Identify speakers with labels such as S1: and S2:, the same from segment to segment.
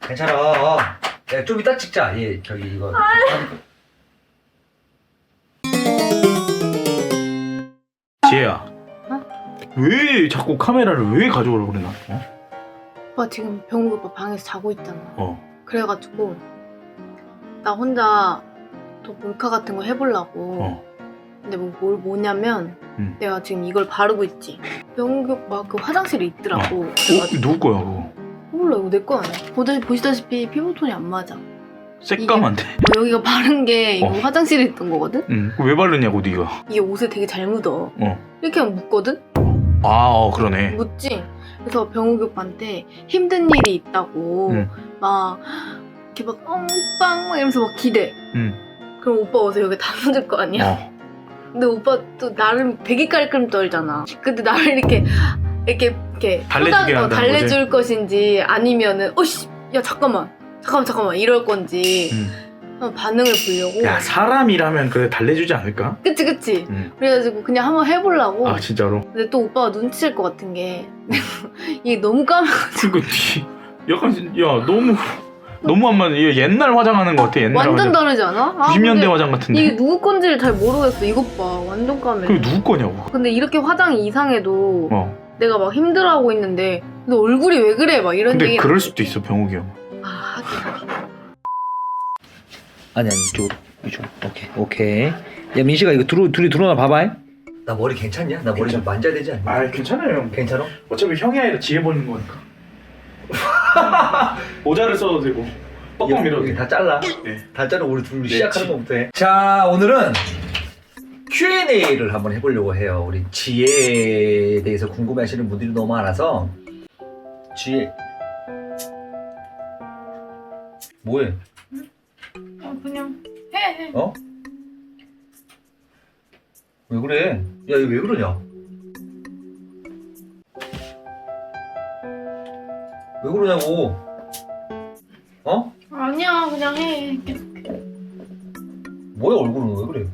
S1: 괜찮아. 야, 좀 이따 찍자. 얘 저기 이거.
S2: 지혜야.
S3: 어?
S2: 왜 자꾸 카메라를 왜 가져오라고 그래 나?
S3: 오빠 지금 병욱 오빠 방에서 자고 있잖아. 그래가지고 나 혼자 또 몰카 같은 거 해보려고. 근데 뭐냐면 내가 지금 이걸 바르고 있지. 병욱 오빠 그 화장실에 있더라고. 그래가지고
S2: 누구 거야 그거?
S3: 몰라, 이거 내 거 아니야. 보시다시피 피부톤이 안 맞아.
S2: 새까만데.
S3: 여기가 바른 게 이거 화장실에 있던 거거든?
S2: 그거 왜 바르냐고 네가.
S3: 이게 옷에 되게 잘 묻어. 이렇게 하면 묻거든?
S2: 그러네.
S3: 묻지? 그래서 병욱이 오빠한테 힘든 일이 있다고 막 이렇게 막 빵 이러면서 막 기대. 그럼 오빠 어서 여기 다 묻을 거 아니야? 근데 오빠 또 나름 되게 깔끔 떨잖아. 근데 나를 이렇게
S2: 달래주게 한다는
S3: 달래줄 것인지 아니면은 어씨 야 잠깐만 이럴 건지 반응을 보려고.
S2: 야, 사람이라면 그래 달래주지 않을까?
S3: 그치. 그래가지고 그냥 한번 해보려고.
S2: 아 진짜로?
S3: 근데 또 오빠가 눈치챌 것 같은 게 이게 너무 까매가지고.
S2: 약간 야 너무 안 맞아. 얘 옛날 화장하는 거 같아. 옛날
S3: 완전
S2: 화장.
S3: 다르지 않아?
S2: 90년대
S3: 근데
S2: 화장 같은데.
S3: 이게 누구 건지를 잘 모르겠어. 이것 봐, 완전 까매.
S2: 그게 누구 거냐고.
S3: 근데 이렇게 화장이 이상해도 내가 막 힘들어하고 있는데 너 얼굴이 왜 그래? 막 이런
S2: 근데
S3: 얘기.
S2: 그럴 수도 있어 병욱이 형.
S3: 하긴.
S1: 아니 이쪽. 오케이. 야 민식아 이거 둘이 들어오나 봐봐. 나 머리 괜찮냐? 나 머리 좀 만져야 되지 않냐?
S2: 아 괜찮아요 형.
S1: 괜찮아?
S2: 어차피 형이 아니라 지혜 보는 거니까. 모자를 써도 되고 뻑뻑 밀어도
S1: 여기
S2: 돼.
S1: 다 잘라.
S2: 네.
S1: 다 자르고 우리 둘이
S2: 네,
S1: 시작하는 것부터 해. 자, 오늘은 Q&A를 한번 해보려고 해요. 우리 지혜에 대해서 궁금해하시는 분들이 너무 많아서. 지혜 뭐해?
S3: 그냥 해.
S1: 어? 왜 그래? 야, 이거 왜 그러냐? 왜 그러냐고? 어?
S3: 아니야, 그냥 해.
S1: 뭐야 얼굴은 왜 그래?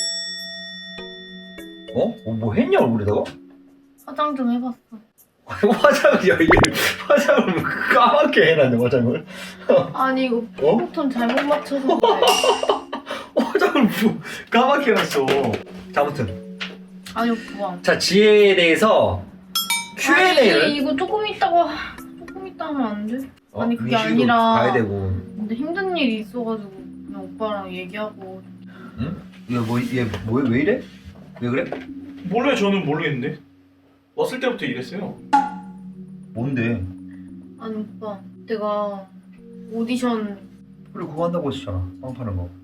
S1: 뭐 했냐 얼굴에다가?
S3: 화장 좀 해봤어.
S1: 화장을 야 이게 화장을 뭐 까맣게 해놨네 화장을.
S3: 아니 이거 피부톤 잘못 맞춰서 그래.
S1: 화장을 뭐 까맣게 해놨어. 자 아무튼
S3: 아니 오빠.
S1: 자 지혜에 대해서 Q&A를
S3: 아니 이거 조금 있다 하면 안 돼? 아니 그게
S1: 민식이도
S3: 아니라
S1: 가야 되고.
S3: 근데 힘든 일이 있어가지고 그냥 오빠랑 얘기하고.
S1: 응? 얘왜 이래? 왜 그래?
S2: 몰라요. 저는 모르겠는데. 왔을 때부터 이랬어요.
S1: 뭔데?
S3: 아니 오빠 내가 오디션
S1: 그래 그거 한다고 했었잖아 빵 파는 거.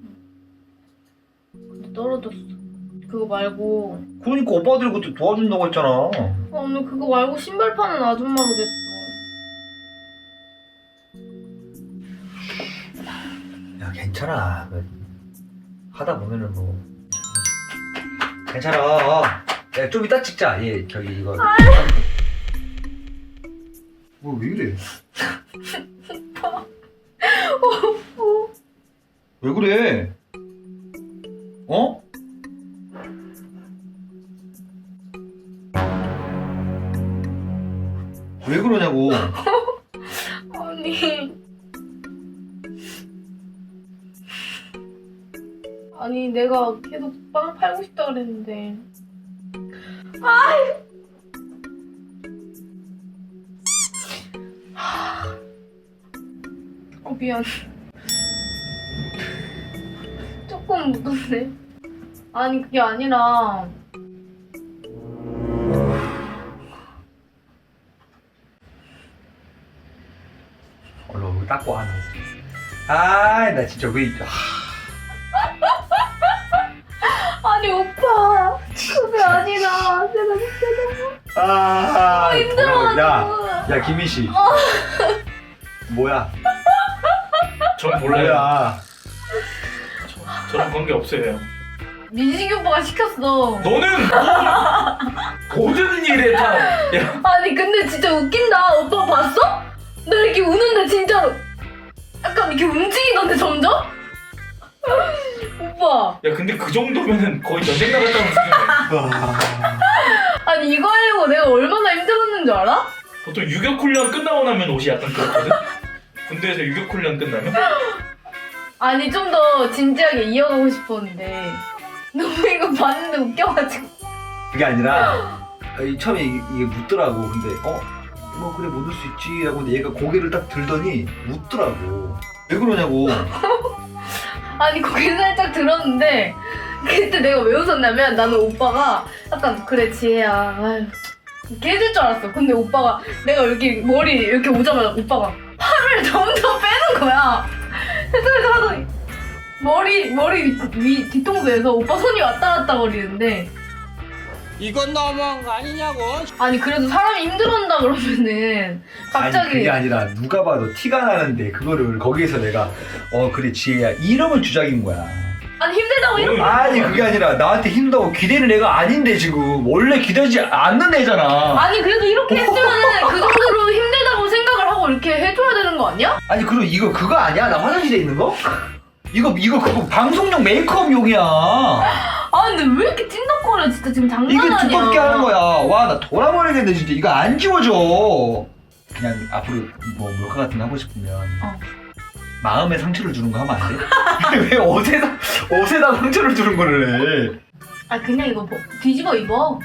S3: 근데 떨어졌어. 그거 말고
S1: 그러니까 오빠들이 그때 도와준다고 했잖아.
S3: 오늘 그거 말고 신발 파는 아줌마로 됐어.
S1: 야 괜찮아. 하다 보면은 뭐 괜찮아. 야 좀 이따 찍자. 얘 저기 이거. 뭐 왜 이래? 왜 그래? 어? 왜 그러냐고.
S3: 아니 내가 계속 빵 팔고 싶다 그랬는데. 미안. 조금 묻었네. 아니 그게 아니라
S1: 얼른 닦고 하는. 아나 진짜 왜
S3: 아니 오빠 그게 아니라 내가 진짜 너무 힘들어가지고.
S1: 야 김민 씨. 뭐야?
S2: 전 몰라요.
S1: 뭐야?
S2: 저랑 관계 없어요.
S3: 민식이 오빠가 시켰어.
S2: 너는 모든 일에 다. 야.
S3: 아니 근데 진짜 웃긴다. 오빠 봤어? 나 이렇게 우는데 진짜로 약간 이렇게 움직이던데 점점? 오빠
S2: 야 근데 그 정도면은 거의 전쟁 나갔다는 수준이야.
S3: 아니 이거 하려고 내가 얼마나 힘들었는 줄 알아?
S2: 보통 유격 훈련 끝나고 나면 옷이 약간 그렇거든. 군대에서 유격훈련 끝나면?
S3: 아니 좀 더 진지하게 이어가고 싶었는데 너무 이거 봤는데 웃겨가지고.
S1: 그게 아니라 처음에 이게 묻더라고. 근데 뭐 그래 못 올 수 있지 하고 근데 얘가 고개를 딱 들더니 웃더라고. 왜 그러냐고.
S3: 아니 거기 살짝 들었는데 그때 내가 왜 웃었냐면 나는 오빠가 약간 그래 지혜야 아유 이렇게 해줄 줄 알았어. 근데 오빠가 내가 여기 머리 이렇게 오자마자 오빠가 팔을 점점 빼는 거야. 그래서 하더니 머리 위 뒤통수에서 오빠 손이 왔다 갔다 거리는데
S4: 이건 너무한 거 아니냐고.
S3: 아니 그래도 사람이 힘들어한다 그러면은
S1: 아니
S3: 갑자기
S1: 그게 아니라 누가 봐도 티가 나는데 그거를 거기에서 내가 그래 지혜야 이러면 주작인 거야.
S3: 아니 힘들다고 이러면
S1: 아니 그게 아니라 나한테 힘들다고 기대는 애가 아닌데 지금 원래 기대지 않는 애잖아.
S3: 아니 그래도 이렇게 했으면은 그 정도로 힘들다고 생각을 하고 이렇게 해줘야 되는 거 아니야?
S1: 아니 그리고 이거 그거 아니야? 나 화장실에 있는 거? 이거 그거 방송용 메이크업용이야.
S3: 아 근데 왜 이렇게 찐덕거려 진짜 지금 장난
S1: 이게
S3: 아니야.
S1: 두껍게 하는 거야. 와 나 돌아버리겠네 진짜. 이거 안 지워져. 그냥 앞으로 뭐 몰카 같은 거 하고 싶으면 마음에 상처를 주는 거 하면 안 돼? 왜 옷에다 상처를 주는 거를 해?
S3: 아 그냥 이거 뒤집어 입어.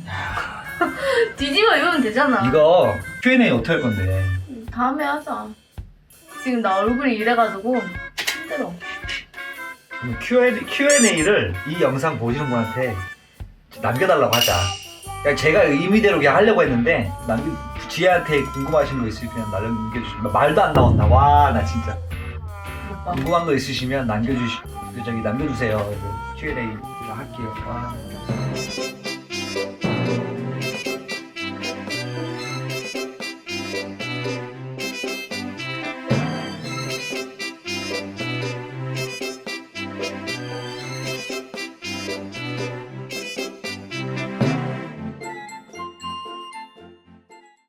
S3: 뒤집어 입으면 되잖아.
S1: 이거 Q&A 어떻게 할 건데?
S3: 다음에 하자. 지금 나 얼굴이 이래가지고 힘들어.
S1: 그럼 Q&A를 이 영상 보시는 분한테 남겨달라고 하자. 그냥 제가 의미대로 그냥 하려고 했는데 지혜한테 궁금하신 거 있으면 그냥 남겨주시면 말도 안 나온다. 와 나 진짜
S3: 오빠.
S1: 궁금한 거 있으시면 남겨주세요. Q&A 할게요. 와.